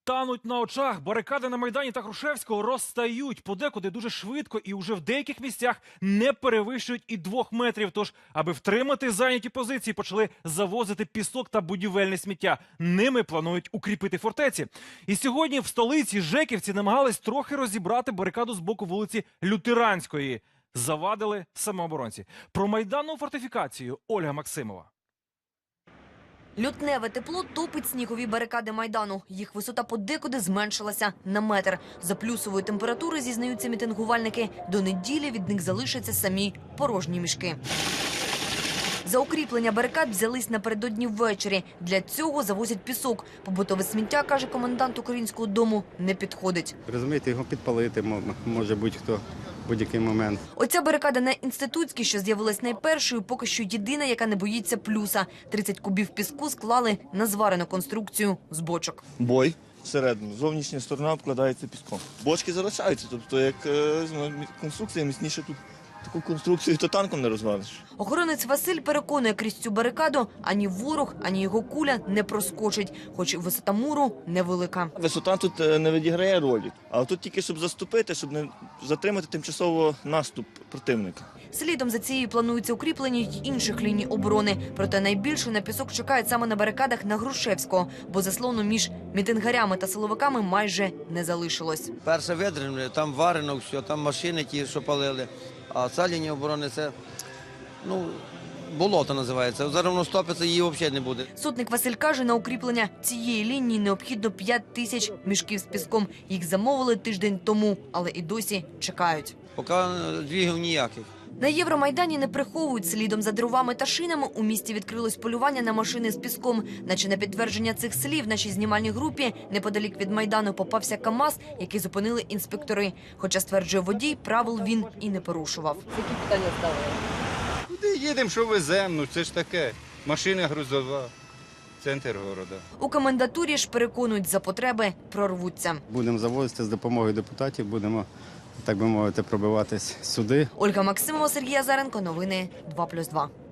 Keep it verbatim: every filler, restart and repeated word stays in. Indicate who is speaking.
Speaker 1: Тануть на очах. Барикади на Майдані та Грушевського розстають. Подекуди дуже швидко і уже в деяких місцях не перевищують і двох метрів. Тож, аби втримати зайняті позиції, почали завозити пісок та будівельне сміття. Ними планують укріпити фортеці. І сьогодні в столиці жеківці намагались трохи розібрати барикаду з боку вулиці Лютеранської. Завадили самооборонці. Про майданну фортифікацію Ольга Максимова.
Speaker 2: Лютневе тепло топить снігові барикади Майдану. Їх висота подекуди зменшилася на метр. За плюсової температури, зізнаються мітингувальники, до неділі від них залишаться самі порожні мішки. За укріплення барикад взялись напередодні ввечері. Для цього завозять пісок. Побутове сміття, каже комендант Українського дому, не підходить.
Speaker 3: Розумієте, його підпалити може будь-хто в будь-який момент.
Speaker 2: Оця барикада на Інститутській, що з'явилась найпершою, поки що єдина, яка не боїться плюса. тридцять кубів піску склали на зварену конструкцію з бочок.
Speaker 4: Бой всередину, зовнішня сторона обкладається піском. Бочки залишаються, тобто як е, конструкція міцніше тут. Таку конструкцію то танком не розвалиш.
Speaker 2: Охоронець Василь переконує, крізь цю барикаду ані ворог, ані його куля не проскочить, хоч і висота муру невелика.
Speaker 4: Висота тут не відіграє ролі, а тут тільки щоб заступити, щоб не затримати тимчасово наступ противника.
Speaker 2: Слідом за цією планується укріплення й інших ліній оборони. Проте найбільше на пісок чекають саме на барикадах на Грушевського, бо заслону між мітингарями та силовиками майже не залишилось.
Speaker 5: Перше видрівне, там варено все, там машини ті, що палили. А ця лінія оборони – це, ну, болото називається. Зараз воно стопиться, її взагалі не буде.
Speaker 2: Сотник Василь каже, на укріплення цієї лінії необхідно п'ять тисяч мішків з піском. Їх замовили тиждень тому, але і досі чекають.
Speaker 5: Поки двігів ніяких.
Speaker 2: На Євромайдані не приховують. Слідом за дровами та шинами у місті відкрилось полювання на машини з піском. Наче на підтвердження цих слів нашій знімальній групі неподалік від Майдану попався КАМАЗ, який зупинили інспектори. Хоча, стверджує водій, правил він і не порушував.
Speaker 6: Які питання ставили?
Speaker 3: Куди їдемо, що веземо? Ну це ж таке. Машина грузова. Центр города.
Speaker 2: У комендатурі ж переконують, за потреби прорвуться.
Speaker 3: Будемо завозити з допомогою депутатів, будемо, так би мовити, пробиватись сюди.
Speaker 2: Ольга Максимова, Сергій Азаренко. Новини два плюс два.